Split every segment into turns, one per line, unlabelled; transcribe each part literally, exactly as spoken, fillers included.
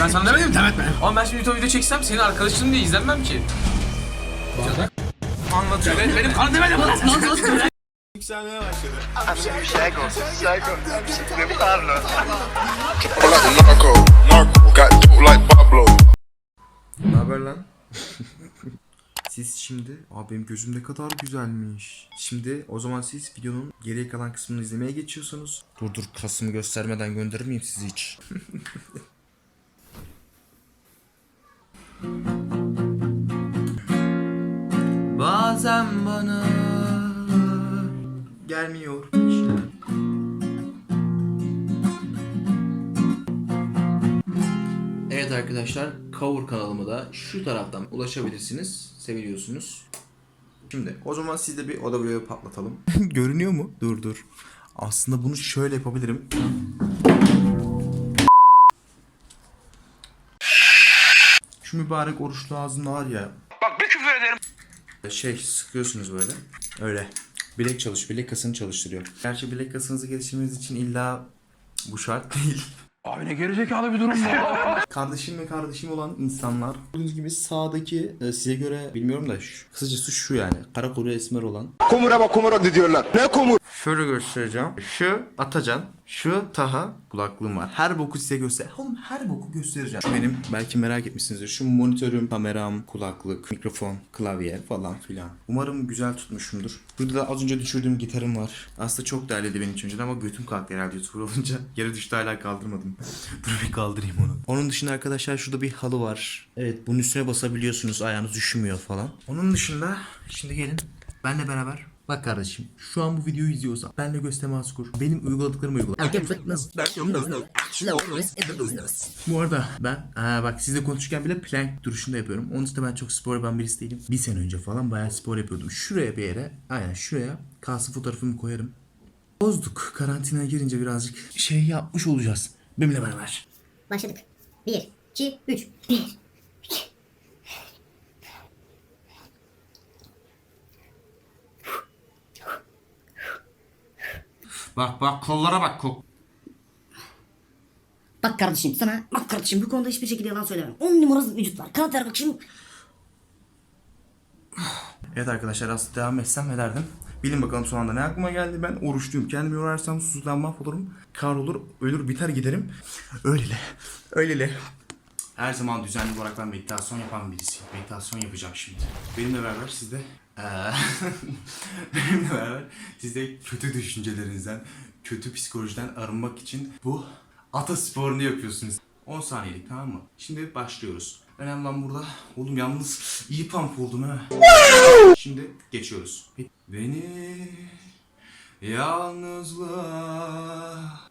Ben sana demedim mi? Demet mi? Ama ben şimdi YouTube video çeksem senin arkadaşın diye izlenmem ki. Bana anlatıyor. Ben, benim kanı demedim mi?
Yükselmeye başladı.
I'm Psycho, Psycho, I'm de Pablo.
Like Narco, Narco, got dope like Pablo.
Ne haber lan? Siz şimdi, abi benim gözüm ne kadar güzelmiş. Şimdi o zaman siz videonun geriye kalan kısmını izlemeye geçiyorsunuz. Dur dur, kasımı göstermeden gönderir miyim sizi hiç? Bazen bana gelmiyor işler. Evet arkadaşlar, Cover kanalıma da şu taraftan ulaşabilirsiniz. Seviliyorsunuz. Şimdi o zaman siz de bir oda vlogu patlatalım. Görünüyor mu? Dur dur. Aslında bunu şöyle yapabilirim. Şu mübarek oruçlu ağzında var ya.
Bak bir küfür ederim.
Şey sıkıyorsunuz böyle. Öyle. Bilek çalış, bilek kasını çalıştırıyor. Gerçi bilek kasınızı geliştirmeniz için illa bu şart değil.
Abi ne gerizekalı bir durum bu.
Kardeşim ve kardeşim olan insanlar. Gördüğünüz gibi sağdaki e, size göre bilmiyorum da şu, kısacası şu yani. Kara kuru esmer olan.
Kumura bak kumura diyorlar. Ne kumur?
Şöyle göstereceğim. Şu Atacan, şu Taha kulaklığım var. Her boku size göster. Oğlum her boku göstereceğim. Şu benim belki merak etmişsinizdir. Şu monitörüm, kameram, kulaklık, mikrofon, klavye falan filan. Umarım güzel tutmuşumdur. Burada da az önce düşürdüğüm gitarım var. Aslında çok değerliydi benim için önceden ama götüm kalktı herhalde YouTuber olunca. Yere düştü, hala kaldırmadım. Dur bir kaldırayım onu. Onun dışında arkadaşlar şurada bir halı var. Evet, bunun üstüne basabiliyorsunuz, ayağınız üşümüyor falan. Onun dışında şimdi gelin benle beraber. Bak kardeşim, şu an bu videoyu izliyorsan benle göz teması kur. Benim uyguladıklarımı uygula. Bu arada ben aa bak sizle konuşurken bile plank duruşunda yapıyorum. Onun için ben çok spor yapan birisi değilim. Bir sene önce falan bayağı spor yapıyordum. Şuraya bir yere, aynen şuraya kalsın fotoğrafımı koyarım. Bozduk. Karantinaya girince birazcık şey yapmış olacağız. Benimle beraber.
Başladık. Bir, iki, üç. Bir, iki.
Bak bak kollara bak kol.
Bak kardeşim sana, bak kardeşim bu konuda hiçbir şekilde yalan söylemem. On numarası vücut var. Kanat ver bak şimdi.
Evet arkadaşlar, aslında devam etsem ne derdim? Bilin bakalım son anda ne aklıma geldi. Ben oruçluyum. Kendimi yorarsam susuzdan mahvolurum. Kahrolur, ölür, biter giderim. Öylele, öylele. Her zaman düzenli olarak ben meditasyon yapan birisiyim. Meditasyon yapacağım şimdi. Benimle beraber siz de... Ee, benimle beraber siz de kötü düşüncelerinizden, kötü psikolojiden arınmak için bu ata sporunu yapıyorsunuz. on saniyelik, tamam mı? Şimdi başlıyoruz. Önemli olan burada. Oğlum yalnız iyi pump oldum ha. Şimdi geçiyoruz. Beni yalnızlığa...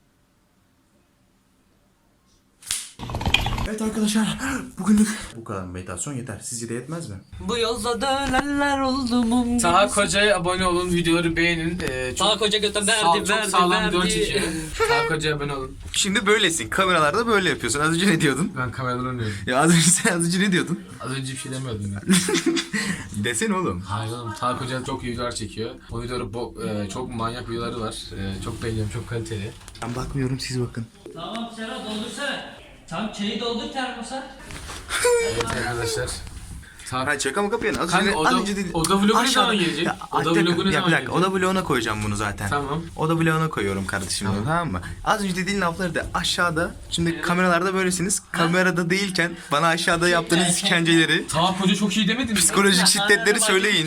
Evet arkadaşlar, bugünlük bu kadar meditasyon yeter. Sizce de yetmez mi?
Bu yolda dönenler oldu mu?
Taha Koca'ya abone olun, videoları beğenin. Ee, çok
Taha Koca göte verdi,
sağ, çok
verdi,
sağlam
verdi.
video çekiyor. Taha Koca'ya abone olun.
Şimdi böylesin. Kameralarda böyle yapıyorsun. Az önce ne diyordun?
Ben kameradan oynuyorum.
Ya az önce sen az önce ne diyordun?
Az önce bir şey demiyordum ya.
Desene oğlum.
Hayır oğlum, Taha Koca çok iyi videolar çekiyor. O videoları bo- e, çok manyak videoları var. E, çok beğeniyorum, çok kaliteli.
Ben bakmıyorum, siz bakın.
Tamam Serhat doldursana. Tam çayı doldur termosa.
Evet arkadaşlar. Taha...
Ha, şaka mı kapıyorsun? Az
Kanka,
önce,
oda-
az önce dedi.
oda vlogu ne
Aşağıda-
zaman gelecek?
Ya,
Oda
bir
vlogu
dakika,
ne
ya,
zaman
bir dakika,
gelecek?
oda vloguna koyacağım bunu zaten.
Tamam.
Oda vloguna koyuyorum kardeşim bunu, tamam mı? Az önce dediğin lafları da aşağıda. Şimdi kameralarda böylesiniz. Kamerada değilken bana aşağıda yaptığınız işkenceleri,
Taha Koca çok iyi demedin mi?
psikolojik şiddetleri söyleyin.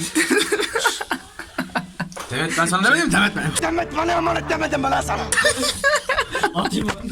Evet, ben sana demedim mi? Demet mi?
Demet bana emanet demedim bana sana.
Atayım mı?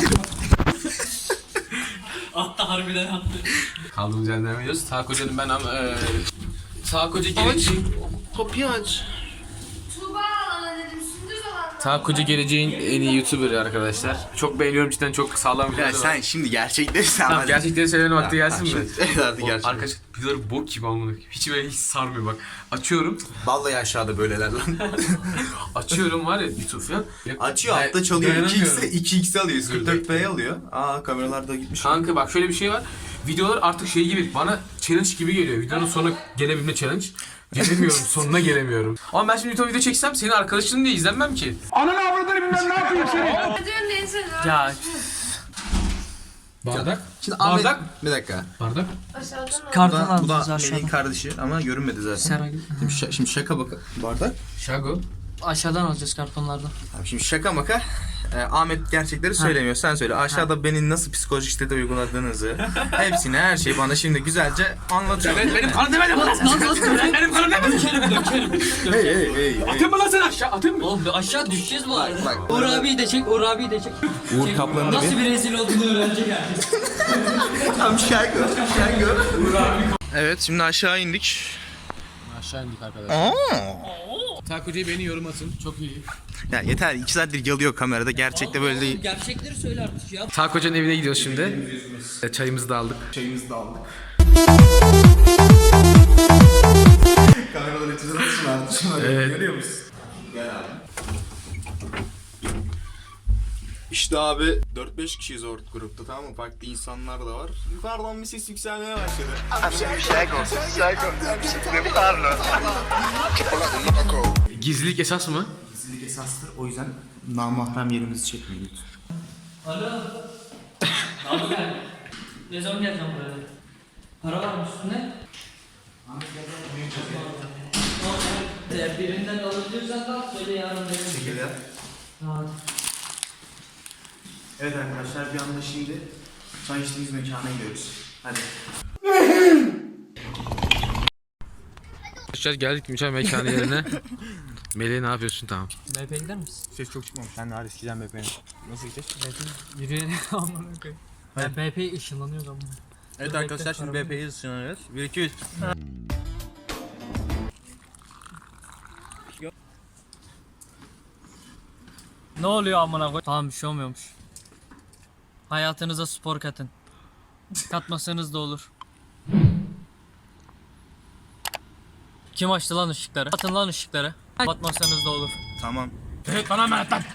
Attı harbiden attı.
Kaldığımız yerden devam ediyoruz. Taha Koca'nın ben ama... E, Taha Koca geleceğin...
Kapıyı aç.
Tuğba alana dedim, Sündüz alana.
Taha Koca geleceğin en iyi YouTuber'ı arkadaşlar. Çok beğeniyorum, cidden çok sağlam
Ya
videoları var.
sen şimdi gerçekleri sen
Tamam, gerçekleri söylemenin vakti gelsin mi?
Evet artık
O
gerçekten.
arkadaş videoları bok gibi olmalı. Hiç böyle hiç sarmıyor bak. Açıyorum.
Vallahi aşağıda böyleler lan.
Açıyorum var ya YouTube falan.
Açıyor,
Day-
altta çalıyor. iki
dayanamıyorum.
x'e iki x alıyor. kırk dört p alıyor. Aa, kameralar da gitmiş.
Kanka bak şöyle bir şey var. Videolar artık şey gibi, bana challenge gibi geliyor. Videonun sonuna gelebilme challenge. Gelemiyorum, sonuna gelemiyorum. Ama ben şimdi YouTube video çeksem senin arkadaşın diye izlenmem ki.
Ananı avradını bilmem ne yapayım seni.
Diyorsun neyse.
Ya Bardak.
Şimdi
Bardak.
Ahmet, bir dakika.
Bardak.
Aşağıdan al.
Bu
Kartını
da, bu da
alacağız
Melih'in
aşağıdan.
kardeşi ama görünmedi zaten.
Serhat.
Şimdi, şa- şimdi şaka baka. Bardak.
Şago.
Aşağıdan alacağız kartonlardan.
Abi şimdi şaka maka. e, Ahmet gerçekleri söylemiyor. Sen söyle. Aşağıda beni nasıl psikolojik şiddete uyguladığınızı, hepsini, her şeyi bana şimdi güzelce anlatıyor.
Benim, benim kanım demedim lan. Benim kanım demedim.
hey hey hey.
Atayım mı lan seni aşağı? Atayım mı?
Oğlum aşağı düşeceğiz bu arada.
bak.
Uğur abiyi de çek, Uğur abiyi de çek.
Uğur
Çek.
Kaplan'ı da
Nasıl
bir-
bir rezil olduğunu öğrenecek yani.
Tam şarkı. Şarkı. Evet şimdi aşağı indik.
Aşağı indik arkadaşlar.
Aa.
Takoci'ye beni yorum atın. Çok iyi.
Ya yeter iki saattir yalıyor kamerada. Gerçekte böyle değil.
Gerçekleri söyle artık ya.
Takoci'nin evine gidiyoruz şimdi. E, Çayımızı da aldık.
Çayımızı da aldık. Kameraları içine nasıl aldık?
Evet.
Görüyor musun? Gel abi. İşte abi dört beş kişiyiz orta grupta, tamam mı? Farklı insanlar da var. Yukarıdan bir ses yükselmeye başladı.
I'm Psycho, Psycho, I'm de parlo.
Triple like the narco.
Gizlilik esas mı?
Gizlilik esastır. O yüzden namahrem yerimizi çekmeyin lütfen.
Alo. Abi gel. Ne zaman geleceğim buraya? Para var mı üstünde? Eğer birinden alabiliyorsan da söyle yarın verin.
Teşekkürler.
Tamam.
Evet arkadaşlar, bir anda şimdi çay içtiğimiz mekana gidiyoruz. Hadi.
Arkadaşlar geldik mükemmel mekanı yerine. Melih ne yapıyorsun? Tamam.
B P'ye gider misin?
Ses çok çıkmamış. Sen daha eskiden B P'nin. Nasıl gideceğiz?
B P yürüyelim amına koyayım. Ben B P ışınlanıyor ama.
Evet arkadaşlar şimdi B P'yi ısınıyoruz. bir iki üç.
Ne oluyor amına koy? Tamam bir şey olmuyormuş. Hayatınıza spor katın. Katmasanız da olur. Kim açtı lan ışıkları? Atın lan ışıkları. Batmasanız da olur.
Tamam.
Evet bana emanet lan.